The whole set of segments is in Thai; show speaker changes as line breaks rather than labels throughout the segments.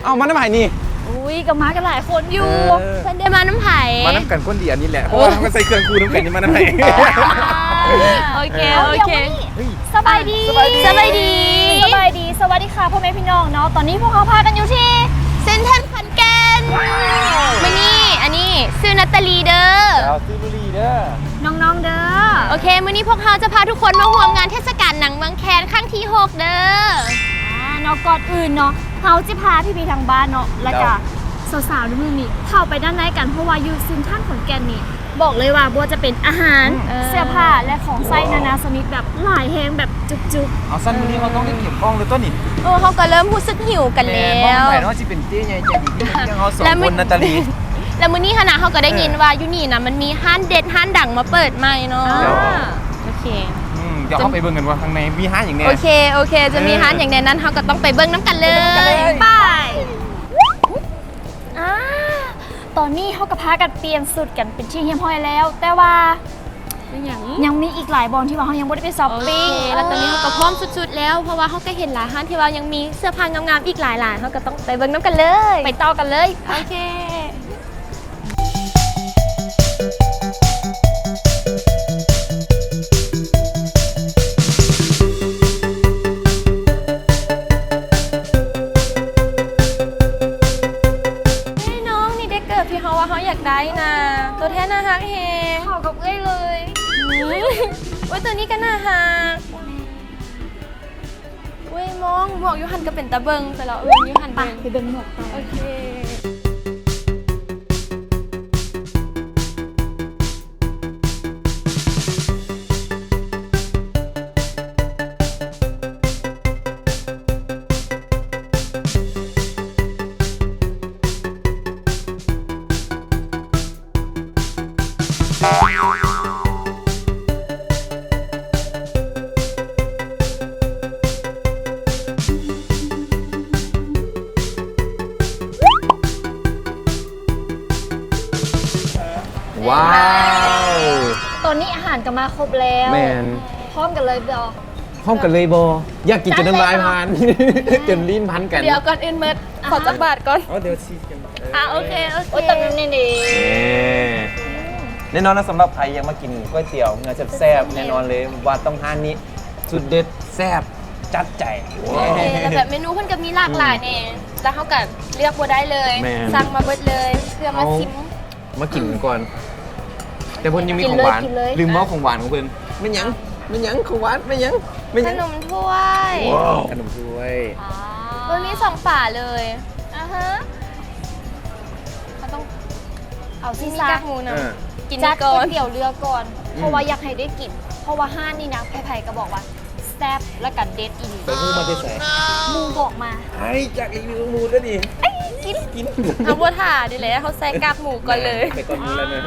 เอามาน้ำไผ่นี่
อุ้ยก็มากันหลายคนอยู่เพิ่นได้มาน้ำไผ่
มาน้ำกันคนเดียวนี่แหละเพราะว่ามันใส่เครื่องคูน้ำกันนี่มาน้ำไผ่
โอเคโอเค
สบายดี
สบายดี
สบายดี สวัสดีค่ะพ่อแม่พี่น้องเนาะ ตอนนี้พวกเขาพากันอยู่ที่
เซ็นทรัลขอนแก่นมานี่อันนี้ชื่อนัตตาลีเด้อ
ดาวซิลูรีเด้อ
น้องๆเด้อ
โอเคมื้อนี้พวกเราจะพาทุกคนมาร่วมงานเทศกาลหนังเมืองแคนครั้งที่ 6 เด้อ
เนาะก่อนอื่นเนาะเขาจะพาพี่ๆทางบ้านเนาะ แล้วก็สาวๆทุกมือนี่เข้าไปด้านในกันเพราะว่าอยู่เซ็นทรัลขอนแก่นนี่ บอกเลยว่าบัวจะเป็นอาหาร เสื้อผ้าและของใช้นานาชนิดแบบหลายแฮงแบบจุก
เอาสั้นวันนี้เราต้องได้เก็บกล้องเลยต้นนี่
เขาก็เริ่มรู้สึกหิวกันแล้ว
แม่ว่าจะเป็นเจ๊ใหญ่ใจดีที่ยังเขาสองคนนาตาลี
แล้วมื้อนี้คณะเขาก็ได้ยินว่าอยู่นี่นะมันมีห้านเด็ดห้านดังมาเปิดใหม่เนาะโอเค
เดี๋ยวเขาไปเบิ่งกันว่าข้างในมีห้าอย่างเนี้ย
โอเคจะมีห้านอย่างในนั้นเขาก็ต้องไปเบิ่งน้ำกันเลย
ๆไปตอนนี้เขาก็พากันเปลี่ยนสุดกันเป็นที่เฮียมห้อยแล้ว แต่ว่ายังมีอีกหลายบอลที่ว่าเขายังไม่ได้ไปช้อป
โอเค
ปิ้ง
แล้วตอนนี้เขาก็พร้อมสุดๆแล้วเพราะว่าเขาก็เห็นหลายห้านที่ว่ายังมีเสื้อผ้างามๆอีกหลายๆเขาก็ต้องไปเบิ่งน้ำกันเลย
ไปต่อกันเลย
โอเคน้องนี่ได้เกิดที่เขาว่าเขาอยากได้นะตัวแทนน่ารักเฮ
ขอกับเอ้ยเลย
โอ้ยตัวนี้ก็น่าฮักเว้ยมองหมวกยูหันก็เป็นตะเบิงแต่เรายูหัน
ไป
เบิง
ไปเบิ่งหมวกไป
โอเค
ว้าว
ตอนนี้อาหารก็มาครบแล้ว
แมน
พร้อมกันเลยเบล
พร้อมกันเลยบออยากกินจนน้ำลายพันจนลิ้นพันกัน
เดี๋ยวก่อนอื่นเมิดขอจับบาทก่อน
เดี๋ยวชีกัน
โอเค
โอ้ยตอนนั้นนี่ดี
แน่นอนนะสำหรับใครยังมากินก๋วยเตี๋ยวเนื้อแซ่บๆแน่นอนเลยว่าต้องห้านนี้สุดเด็ดแซ่บจัดใจ
โอเคแล้วแบบเมนูเพิ่นก็มีหลากหลายเนี่ยแล้วเขาก็เลือกบัวได้เลย
แม่น
สั่งมาเบิดเลยเพื่อมาชิม
มากินก่อน แต่เพิ่นยังมีของหวาน
กินเลย
ลืมเมาของหวานของเพิ่นไม่หยังของหวานไม่หยัง
ขนมถ้วย
ขนมถ้วย
มันมี2ฝาเลยเขาต้อง
เอาซี
มี
ซ่าก
ากหมูนะกิน
จั
นี่
ด
ก่
ก๋
อ
วน ยเตี๋ยวเรือก่อน เพราะว่าอยากให้ได้กิน เพราะว่าห้านนี่นะไผ่ๆก็บอกว่าแซ่บและกันเด็ดอีก
ไปพูดมาได้ใส่
มูบอกมา
ไอ้จากรีวิวมูด้วยดิกิน
เอาบัวถ่าดิเลยเขาใส่กากหมูก่อนเลย
ไปก่อนมูแล้วนะ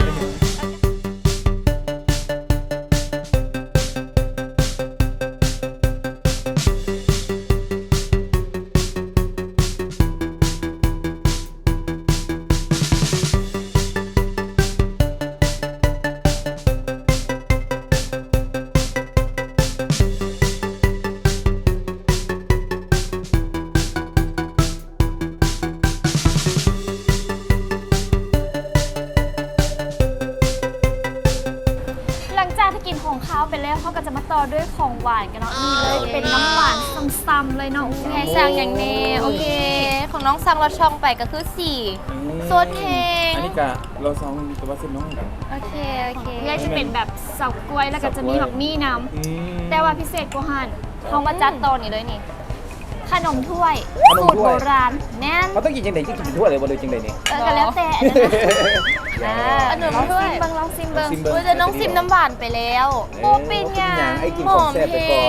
หลังจากที่กินของข้าวไปแล้วเขาก็จะมาต่อด้วยของหวานกันเนาะนี่เลยเป็นน้ำหวานซ้ำๆเลยเนาะ
ไงสั่งอย่างนี้โอเค ของน้องสั่งเราช่องไปก็คือ4โซดเค้ง
อันนี้กะเราสองมีตัวเส้นน้องกัน
โอเค
นี่จะเป็นแบบเสากล้วยแล้วก็จะมีแบบมี่น้ำแต่ว่าพิเศษกว่าหันเขามาจัดตอนนี้เลยนี่ ขนมถ้วยสูตรโบราณแน่น
เขาต้องกินจังไดจะกินทั่วเลยบ่เลยจังไดนี่
ก็แล้วแต่อันนั้น
ขนมถ้วยลองซิมเบิ้งโอ้ยจะน้องซิมน้ำหวานไปแล้วโอ้เป็นยัง
ไอ้กินของแซ่บไปก่อน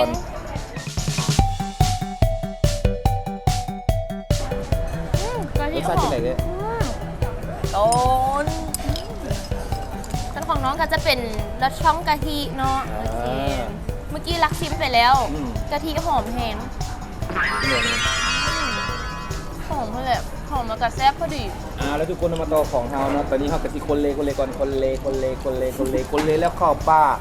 ก็
ร
ที่
สชาติที่ไหนเนี่ย
ต้นส่วนของน้องก็จะเป็นรสช่องกะทิเนาะโอเคเมื่อกี้รักซิมไปแล้วกะทิหอมแห้งหอมเลยหอมแล้วก็แซ่บพอดี
แล้วทุกคนมาต่อของเฮานะตอนนี้เฮากะทิคนเลก่อนคนเลแล้วข้าวป้า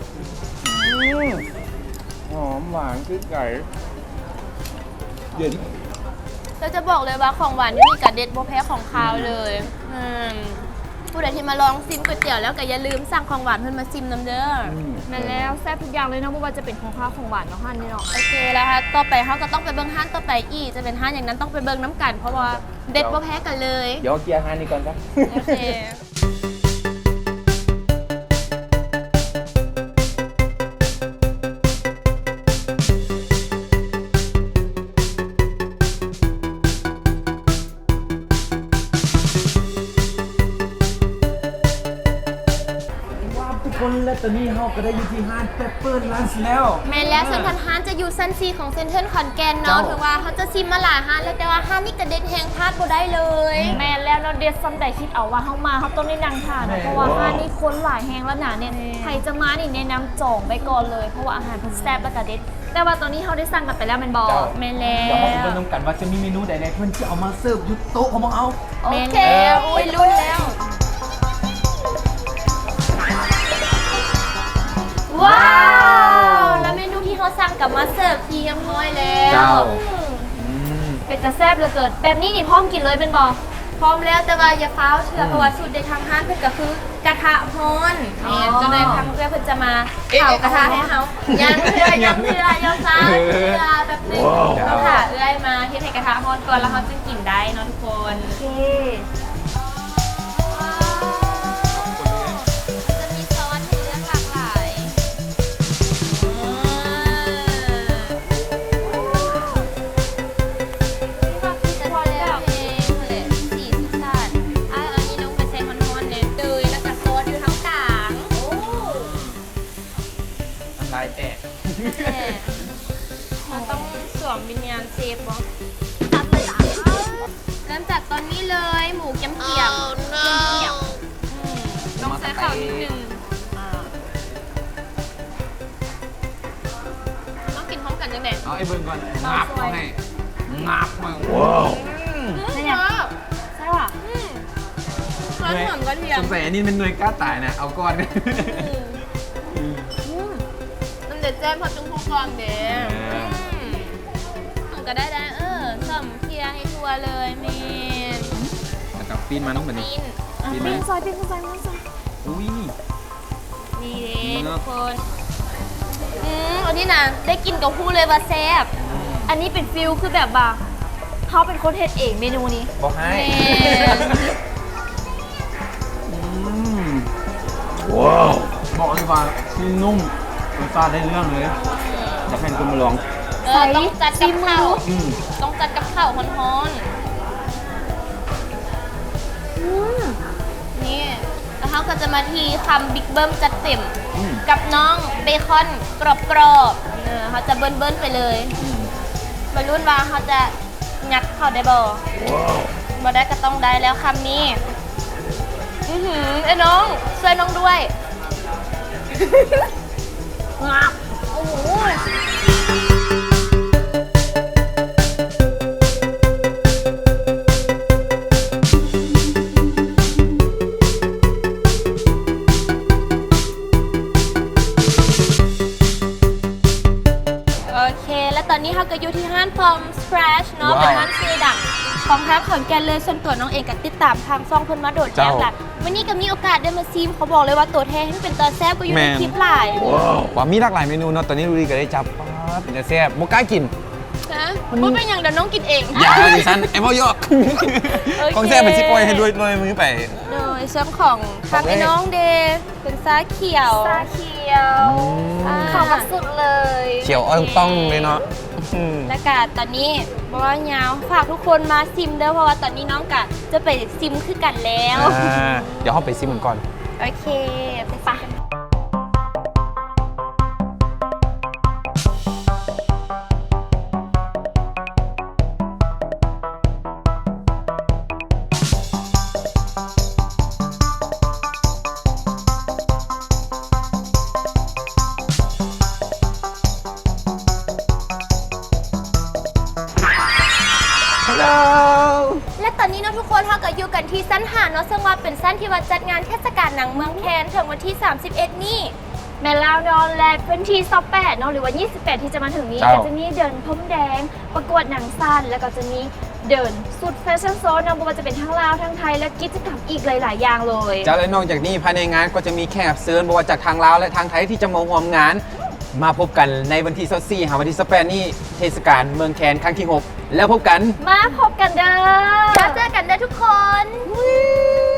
หอมหวานคือไก่เย็น
เราจะบอกเลยว่าของหวานนี่มีกระเด็ดโบแพ้ของคาวเลยผู้ใดที่มาลองซิมก๋วยเตี๋ยวแล้วก็อย่าลืมสั่งของหวานเพื่อนมาซิมน้ำเด้อ
แม่แล้วแซ่บทุกอย่างเลยเนาะไม่ว่าจะเป็นของข้าวของหวานเนาะฮันนี่เนาะ
โอเคแล้วค่ะต่อไปเขาก็ต้องไปเบิ้งห้านต่อไปอีกจะเป็นห้านอย่างนั้นต้องไปเบิ้งน้ำกันเพราะว่าเด็ดโบแพ้กันเลย
เดี๋ยวเกียร์ฮานี่ก่อนครับ
โอเค
ทุกคนและตอนนี้เราก็ได้อยู่ที่ห้างเปปเปอร์ลันช์แล้ว
แม่แล้วส่วนห้านจะอยู่ชั้น4ของเซ็นทรัลขอนแก่นเนาะ
เจ้า
ถือว่าเขาจะซิมมาหลายห้านแล้วแต่ว่าห้านนี่กระเด็ดแหงพลาดบ่ได้เลย
แม่แล้วเนาะเดซซัมใดคิดเอาว่าเขามาเขาต้องได้นั่งทานเนาะเพราะว่าห้านนี่คนหลายแหงแล้วหนาเนี่ยใครจะมานี่แนะนำจองไปก่อนเลยเพราะว่าอาหารเพิ่นแซ่บและกระเด็ดแต่ว่าตอนนี้เขาได้สั่งกันไปแล้วแมันบอ
เจ้า
แม่แล้
เดี๋ยวเราไป
ว
ดูกันว่าจะมีเมนูใดๆเพื่อนจะเอามาเสิร์ฟยุโต๊ะของเราเอา
โอ
แม่
เค
แล้วอุ้ยรุ่นแล้ว ว้าว แล้วเมนูที่เขาสั่งกลับมาเสิร์ฟทีเรียบร้อยแล้ว
เจ้า
เป็นจะแซ่บเหลือเกินแบบนี้นี่พร้อมกินเลยเป็นบอ
พร้อมแล้วแต่ว่าอย่าฟ้าวเชื่อเพราะว่าสูตรเด็ดทางห้างเพื่อนก็คือกระทะฮ้อนนี่ก็เลยทางเพื่อนเพื่อนจะมาเผากระทะให้เขายังเพื่อยังฟ้าวเพื่อแบบนึงเราค่ะเอื้อยมาเทใส่กระทะฮ้อนก่อนแล้วเขาจึงกินได้เนาะทุกคน
โอเค
จะมีซอสให้เลือกหลากหลายพอแล้วเองเลยสีสันอันนี้น้องไปใช้ฮอนๆเนี่ยเตยแล้วก็ซอสอยู่ทั้งกลาง
ลายแตก
มันต้องสวมวิญญาณเซฟบอ
ตัดเลยจ้ะ
เริ่มจากตอนนี้เลยหมูเกี๊ยมเกี๊ยมต้องใช้ข้าวนิดนึงต้องกินพร้อมกันจังเด็ด
เอาไอ้เบิ้งก่อนงับมาให้งับมาว้าว
นี่เนี่ยใช่ป่ะ
มันหอมกระเทีย
ส
ม
งสัยอันนี้เป็นหน่วยกล้าตายนะเอาก้อนกัน
มันเด็ดแจ้มพอจุ้งพวกกองเด็ดมันก็ได้สมเคียให้ทัวเลยเมน
แล้วก็ปีนมาน้องแบบนี้
ปีน
ปีนไหม
ปิ้งซอยปิ้งซอยปิ้งซอย
อุ้ย
นี่เด็ดทุกคนอันนี้นะได้กินกับคู่เลยว่าแซ่บ
อันนี้เป็นฟิลคือแบบว่าเขาเป็นคนเฮ็ดเองเมนูนี้
บอกให้
เมน
ว้าวบอกเลยว่าชิ้นนุ่มรสชาติได้เรื่องเลยอยากให้คุณมาลอง
ต้องจัดกับข้าว
อืม
ต้องจัดกับข้าวฮ้อนๆนี่แล้วเขาก็จะมาทีคำบิ๊กเบิ้มจัดเต็ม กับน้องเบคอนกรอบๆเขาจะเบิ้ลๆไปเลยบรรลุนว่าเขาจะงัดเข้าได้บ่ได้ก็ต้องได้แล้วคำนี้ไอ้น้องช่วยน้องด้วยงับโอ้โหโอเค แล้วตอนนี้เขาก็อยู่ที่ห้าง From Scratch เนาะ
ว้าว
เป็นห้างชื่อดังของทางขอนแก่นเลยส่วนตัวน้องเองก็ติดตามทางซ่องเพิ่นมาโดดแจ้ง
เจ้า
หละวันนี้ก็มีโอกาสได้มาซิมเขาบอกเลยว่าตัวแท้ที่เป็นตัวแซ่บก็อยู่ในคลิปหลาย
ว่ามีหลากหลายเมนูเนาะตอนนี้ดูดีก็ได้จับป๊าดเป็นจะแซ่บบ่กล้ากิน
นะว่าเป็นอย่างเดี๋ยวน้องกินเอง
อย่าดิฉันไอ้พ่อยอก
โอเค
ของแซ่บเป็นชิปปล่อยให้ด้วยมือไป
โดยเชื่อมของทางไอ้น้องเดย์เป็นซาเขียว
ซาเขียว
อ่า
เข้ามาสุดเลย
เขียวอ้อยต้องเลยเนาะอืม
และกาตอนนี้บอกว่ายาวฝากทุกคนมาซิมเด้อเพราะว่าตอนนี้น้องกะจะไปซิมคือกันแล้ว
เดี๋ยวเราไปซิมมันก่อน
โอเคไปปะและตอนนี้เนาะทุกคนเราก็อยู่กันที่สั้นหาดเนาะซึ่งว่าเป็นสั้นที่วัดจัดงานเทศกาลหนังเมืองแคนถึงวันที่ 31 นี่
แม่ลาวนอนและเป็นที่28เนาะหรือว่า 28 ที่จะมาถึงนี้
เจ้า
ก็จะมีเดินพรมแดงประกวดหนังสั้นแล้วก็จะมีเดินสุดแฟชั่นโซนนะบ่ว่าจะเป็นทั้งลาวทั้งไทยและกิจกรรมอีกหลาย ๆ อย่างเลย
จากและนอกจากนี้ภายในงานก็จะมีแขกรับเชิญบ่ว่าจากทางลาวและทางไทยที่จะมาร่วมงาน มาพบกันในวันที่24หาวันที่28นี้เทศกาลเมืองแคนครั้งที่ 6 แล้วพบกัน
มาพบกันเด้อ
แล้วเจอกันได้ทุกคน